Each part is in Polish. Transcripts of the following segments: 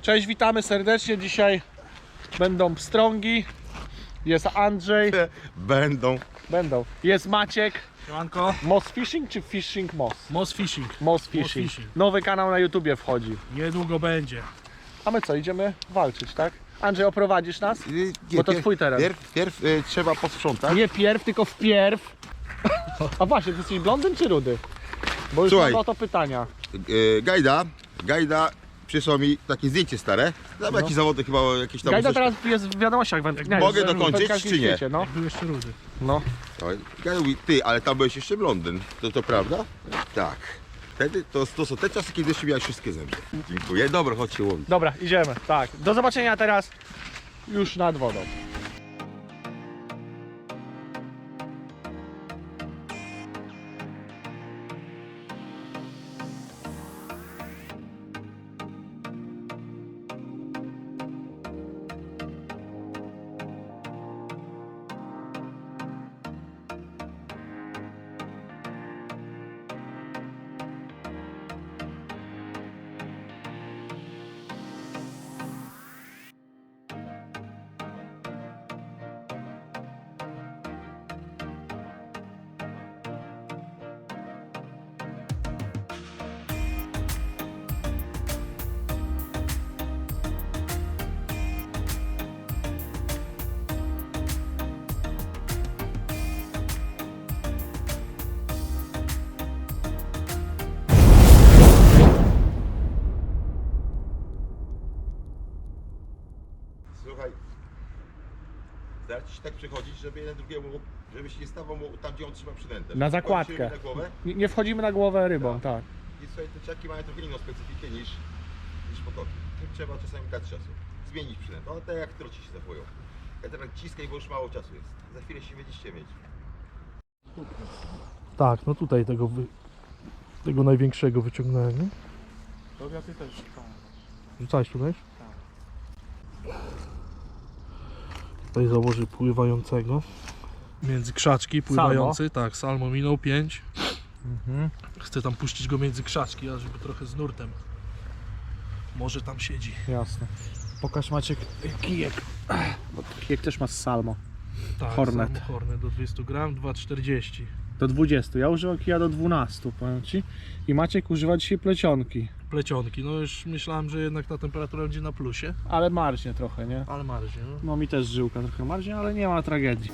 Cześć, witamy serdecznie. Dzisiaj będą pstrągi. Jest Andrzej. Będą. Jest Maciek. Siemanko. Moss Fishing czy Fishing Moss? Moss Fishing. Moss Fishing. Nowy kanał na YouTubie wchodzi. Niedługo będzie. A my co, idziemy walczyć, tak? Andrzej, oprowadzisz nas? Bo to twój teren. Pierw trzeba posprzątać. Nie pierw, tylko wpierw. A właśnie, ty jesteś blondyn czy rudy? Bo już Słuchaj. mam o to pytania. Gajda przysłał mi takie zdjęcie stare. Tam jakieś zawody chyba jakieś tam. Gajda teraz jest w wiadomościach wędkarskich. Mogę dokończyć, czy nie? No. Jak był jeszcze rudy. No. Gajda mówi, ty, ale tam byłeś jeszcze blondyn. To prawda? Tak. Wtedy to są te czasy, kiedy jeszcze miałeś wszystkie zęby. Dziękuję. Dobra, chodź się łowić. Dobra, idziemy. Tak. Do zobaczenia teraz już nad wodą. Słuchaj. Zaraz ci tak przychodzić, żeby jeden drugiemu, żeby się nie stawał mu tam, gdzie on trzyma przynętę. Na zakładkę. Wchodzimy na głowę. Nie wchodzimy na głowę rybą, tak. I słuchaj, te czaki mają trochę inną specyfikę niż potoki. Tym trzeba czasami dać czasu. Zmienić przynętę. One tak jak troci się zachowują. Ja teraz ciskaj, bo już mało czasu jest. Za chwilę się będziecie mieć. Tak, no tutaj tego największego wyciągnąłem, nie? To ja ty też. Rzucałeś tutaj? Tutaj założy pływającego. Między krzaczki pływający, tak, salmo minął 5. Chcę tam puścić go między krzaczki, a żeby trochę z nurtem. Może tam siedzi. Jasne. Pokaż Maciek kijek. Bo kijek też ma z salmo. Tak, Hornet. salmo Hornet do 200 gram, 2,40. Do 20. Ja używam kija do 12, powiem ci. I Maciek używa dzisiaj plecionki. Plecionki, no już myślałem, że jednak ta temperatura będzie na plusie. Ale marznie trochę, nie? Ale marznie, no. No mi też żyłka trochę marznie, ale nie ma tragedii.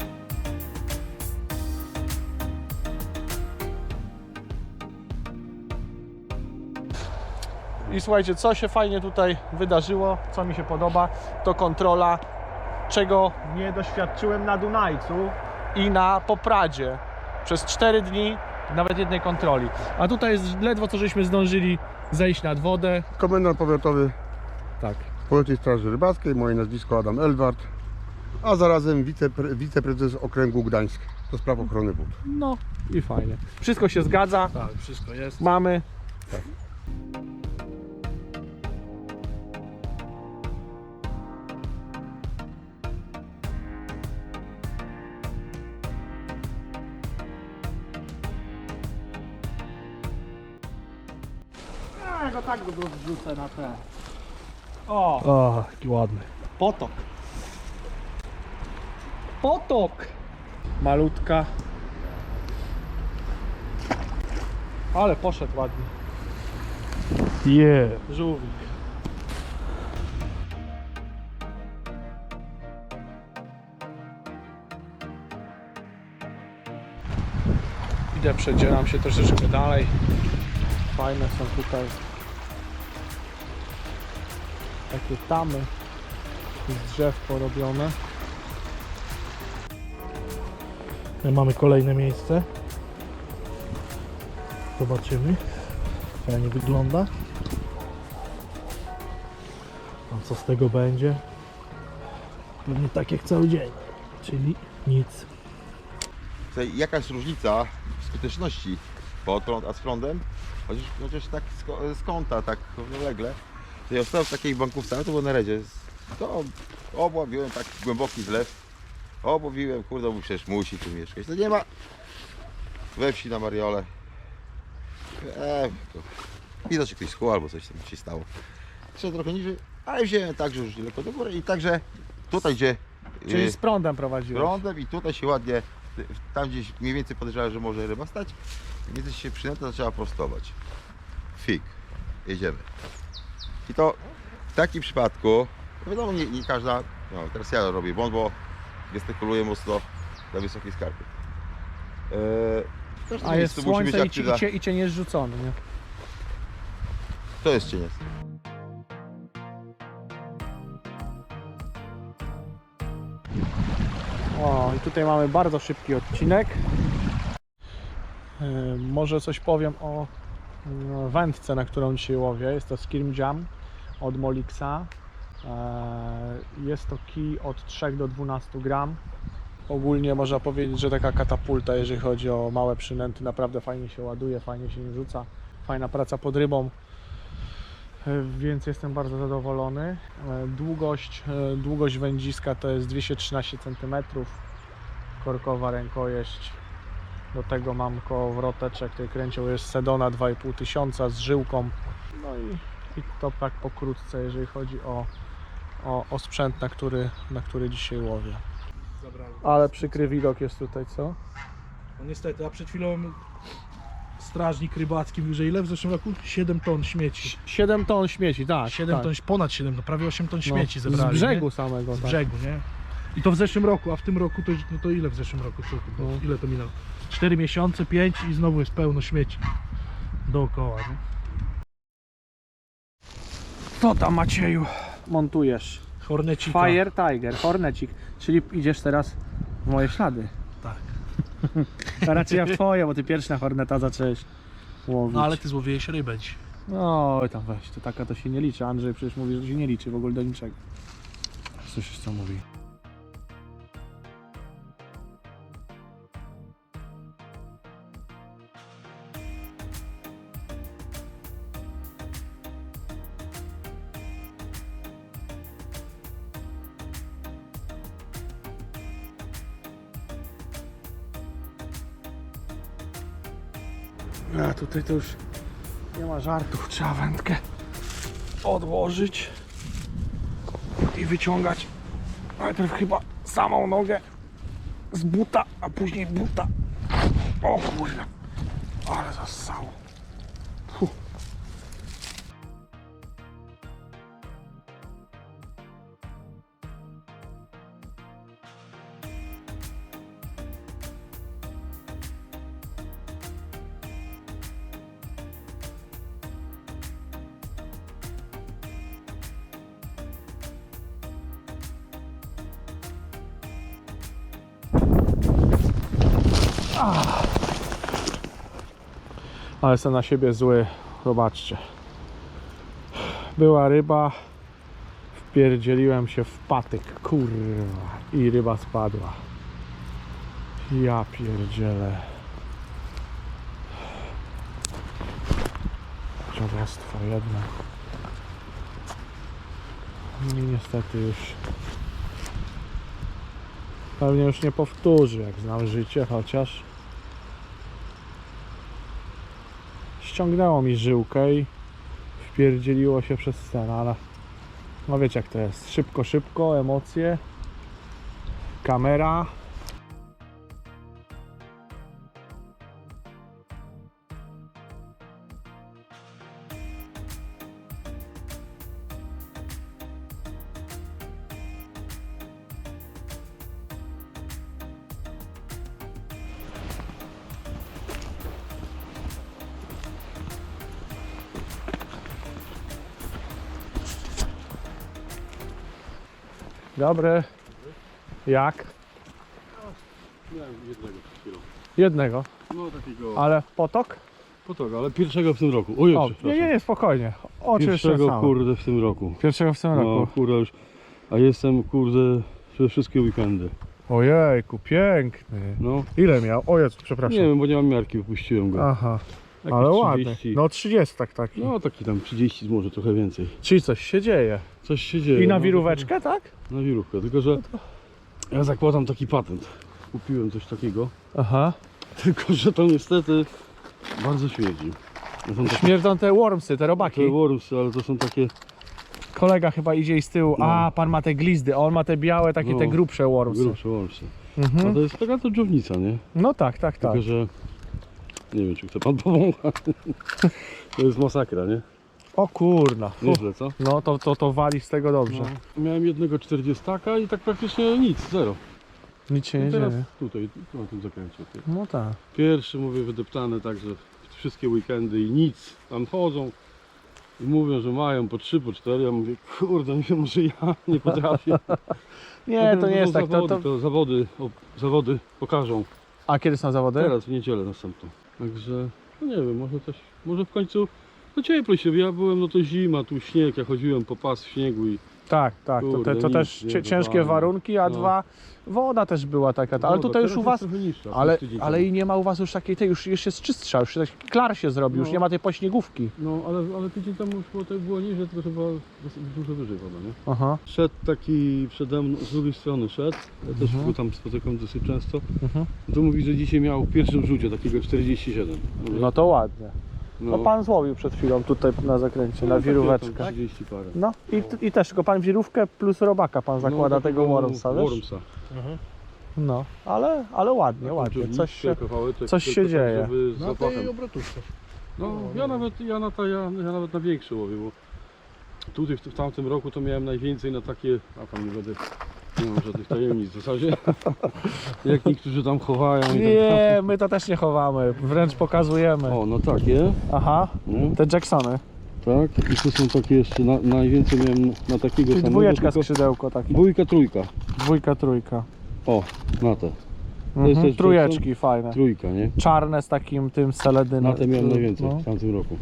I słuchajcie, co się fajnie tutaj wydarzyło, co mi się podoba, to kontrola, czego nie doświadczyłem na Dunajcu i na Popradzie. Przez 4 dni nawet jednej kontroli. A tutaj jest ledwo co żeśmy zdążyli zejść nad wodę. Komendant powiatowy Tak. Powiatowej Straży Rybackiej, moje nazwisko Adam Elwart, a zarazem wiceprezes okręgu Gdańsk do spraw ochrony wód. No i fajnie. Wszystko się zgadza. Tak, wszystko jest. Mamy. Ja go tak go wrzucę na te. O, O, jaki ładny. potok. Potok. Malutka. Ale poszedł ładnie. Żółwik. Idę, przedzieram się troszeczkę dalej. Fajne są tutaj takie tamy z drzew porobione. Mamy kolejne miejsce. Zobaczymy. Fajnie wygląda. A co z tego będzie? Pewnie tak jak cały dzień. Czyli nic. Słuchaj, jaka jest różnica w skuteczności potrąd a z prądem? Chociaż tak z kąta, tak równolegle. To ja stałem w takiej bankówce, ale to było na redzie. To obławiłem tak głęboki zlew. Obłowiłem, kurde, bo przecież musi tu mieszkać. To nie ma we wsi na Mariole. Widać, że ktoś schło albo coś tam się stało. Trzeba trochę niżej, ale wziąłem tak, że już lekko do góry i także tutaj gdzie Czyli z prądem prowadziłeś. prądem i tutaj się ładnie, tam gdzieś mniej więcej podejrzewałem, że może ryba stać, więc się przynęta zaczęła prostować. Fik, jedziemy. I to w takim przypadku, wiadomo, nie każda, no teraz ja robię błąd, bo gestykuluję mocno na wysokiej skarpie. W każdym A jest miejscu musi być słońce aktywna. i cień jest rzucony, nie? To jest cieniec. O, i tutaj mamy bardzo szybki odcinek. Może coś powiem o wędce, na którą dzisiaj łowię. Jest to Skirm Jam od Molixa. Jest to kij od 3 do 12 gram. Ogólnie można powiedzieć, że taka katapulta, jeżeli chodzi o małe przynęty. Naprawdę fajnie się ładuje, fajnie się nim rzuca. Fajna praca pod rybą. Więc jestem bardzo zadowolony. Długość wędziska to jest 213 cm, korkowa rękojeść. Do tego mam kołowroteczek, tej kręcioł jest Sedona 2500 z żyłką. No i to tak pokrótce, jeżeli chodzi o sprzęt, na który dzisiaj łowię. Zabrałem. Ale przykry widok jest tutaj, co? No niestety, a przed chwilą strażnik rybacki mówił, że ile w zeszłym roku? 7 ton śmieci. 7 ton śmieci, tak. 7 tak. ton, ponad 7, no prawie 8 ton śmieci No, zebrali. z brzegu nie? samego. Z tak. brzegu, nie? I to w zeszłym roku, a w tym roku to, no to ile w zeszłym roku? No. Ile to minęło? 4 miesiące, 5 i znowu jest pełno śmieci dookoła, nie? Co tam, Macieju? Montujesz. Hornecika. Fire Tiger, Hornecik, czyli idziesz teraz w moje ślady. Tak. A raczej ja w twoje, bo ty pierwszy na Horneta zacząłeś łowić. No ale ty złowiłeś rybę dzisiaj. No tam weź, to taka to się nie liczy. Andrzej przecież mówi, że się nie liczy w ogóle do niczego. Słyszysz co mówi? A tutaj to już nie ma żartów, trzeba wędkę odłożyć i wyciągać najpierw chyba samą nogę z buta, a później buta. O kurde, ale zassało. Fuh. Ale jestem na siebie zły, zobaczcie. Była ryba, wpierdzieliłem się w patyk, kurwa, i ryba spadła. Ja pierdzielę. Dziadostwo jedno. I niestety już pewnie już nie powtórzy, jak znam życie, chociaż ściągnęło mi żyłkę i wpierdzieliło się przez scenę, ale no wiecie jak to jest, szybko, emocje, kamera. Dobry. Jak? Miałem jednego przed chwilą. Jednego. No takiego Ale potok? potoka, ale pierwszego w tym roku. Ojej, O, przepraszam. nie, spokojnie. Oczy jeszcze Pierwszego same. kurde w tym roku. Pierwszego w tym No roku. kurde już. A jestem kurde przez wszystkie weekendy. Ojejku, piękny. No Ile miał? O Jezu, przepraszam. nie wiem, bo nie mam miarki, wypuściłem go. Aha, Jakieś ale ładny. 30. No 30 taki. No taki tam 30, może trochę więcej. Czyli coś się dzieje. Coś się dzieje. I na no, wiróweczkę, tak? Na wirówkę, tylko że ja zakładam taki patent. Kupiłem coś takiego, Aha. tylko że to niestety bardzo śmierdzi. To są takie Śmierdzą te wormsy, te robaki. wormsy, ale to są takie Kolega chyba idzie i z tyłu. No. A, pan ma te glizdy, a on ma te białe, takie te No, grubsze wormsy. Grubsze łącznie. A Mhm. to jest taka to dżownica, nie? No tak, tak, tak. Tylko, że nie wiem, czy chce pan powąchać. To jest masakra, nie? O kurna. Fu. Nieźle, co? No to wali z tego dobrze. No. Miałem jednego 40 i tak praktycznie nic, zero. Nic się nie I teraz dzieje. tutaj, na tym zakręcie. Ty. No tak. Pierwszy, mówię, wydeptany, także wszystkie weekendy i nic. Tam chodzą i mówią, że mają po 3, po 4. Ja mówię, kurde, nie wiem, że ja nie potrafię. Nie, Potem to nie jest tak. zawody, to zawody pokażą. A kiedy są zawody? Teraz w niedzielę następną. Także, no nie wiem, może w końcu, no ciepło się, ja byłem, no to zima, tu śnieg, ja chodziłem po pas w śniegu i Tak, tak. Kurde, To nic, też nie, ciężkie totalnie. warunki, a No. dwa, woda też była taka. Ale woda, tutaj już teraz u was. jest trochę niższa, Ale, tydzień ale temu. i nie ma u was już takiej tej, już jest czystsza, już taki klar się zrobił, już No. nie ma tej pośniegówki. No, ale tydzień temu już było niżej, tylko chyba dużo wyżej woda, nie? Aha. Szedł taki przede mną, z drugiej strony szedł, ja też go tam spotykam dosyć często. Mhm. To mówi, że dzisiaj miał w pierwszym rzucie takiego 47. Mówię, No to ładnie. No pan złowił przed chwilą tutaj na zakręcie, na wiróweczkę. 30 parę. No i też tylko pan wirówkę plus robaka pan zakłada No, tego wormsa, wiesz? Wormsa. No, ale ładnie, ładnie. Coś się dzieje. Żeby z Na zapachem. tej obrotówce. No, ja nawet na większe łowię, bo tutaj w tamtym roku to miałem najwięcej na takie, a tam nie mam żadnych tajemnic w zasadzie, jak niektórzy tam chowają i tak. Nie, my to też nie chowamy, wręcz pokazujemy. O, no takie, Aha, no, te Jacksony. tak, i to są takie jeszcze, najwięcej miałem na takiego Czyli samego, dwójeczka tylko skrzydełko takie. dwójka, trójka, Dwójka, trójka. o, na te, Mhm. też Trójeczki fajne. trójka, nie? Czarne z takim tym seledynem. Na te miałem najwięcej No. w tamtym roku.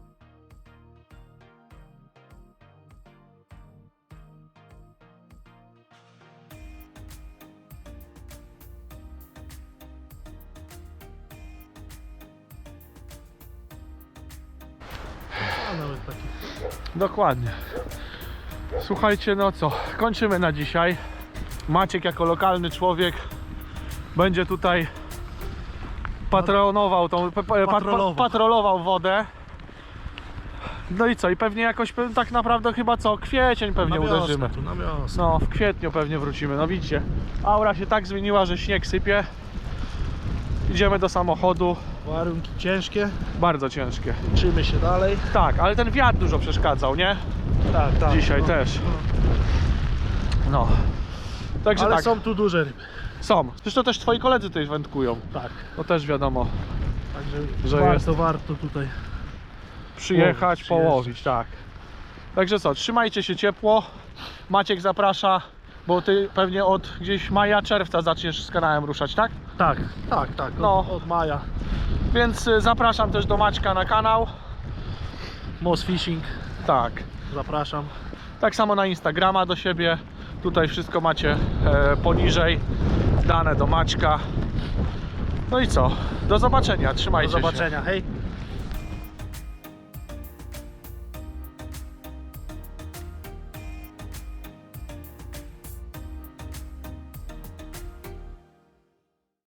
A nawet taki. Dokładnie. Słuchajcie, no co, kończymy na dzisiaj. Maciek jako lokalny człowiek będzie tutaj patronował tą, patrolował wodę. No i co, i pewnie jakoś tak naprawdę chyba co, kwiecień pewnie uderzymy. Tu na wiosnę. No, w kwietniu pewnie wrócimy. No widzicie, aura się tak zmieniła, że śnieg sypie. Idziemy do samochodu. Warunki ciężkie. Bardzo ciężkie. Uczymy się dalej. Tak, ale ten wiatr dużo przeszkadzał, nie? Tak, tak. Dzisiaj no. też. No. Także Ale tak, są tu duże ryby. są. Zresztą też twoi koledzy tutaj wędkują. Tak. To też wiadomo. Także Że warto tutaj. Przyjechać, Przyjeżdżać. połowić, tak. Także co, trzymajcie się ciepło. Maciek zaprasza, bo ty pewnie od gdzieś maja, czerwca zaczniesz z kanałem ruszać, tak? Tak, tak, tak. No. Od maja. Więc zapraszam też do Maćka na kanał. Moss Fishing. Tak. Zapraszam. Tak samo na Instagrama do siebie. Tutaj wszystko macie poniżej. Dane do Maćka. No i co? Do zobaczenia. Trzymajcie Do się. zobaczenia. Hej.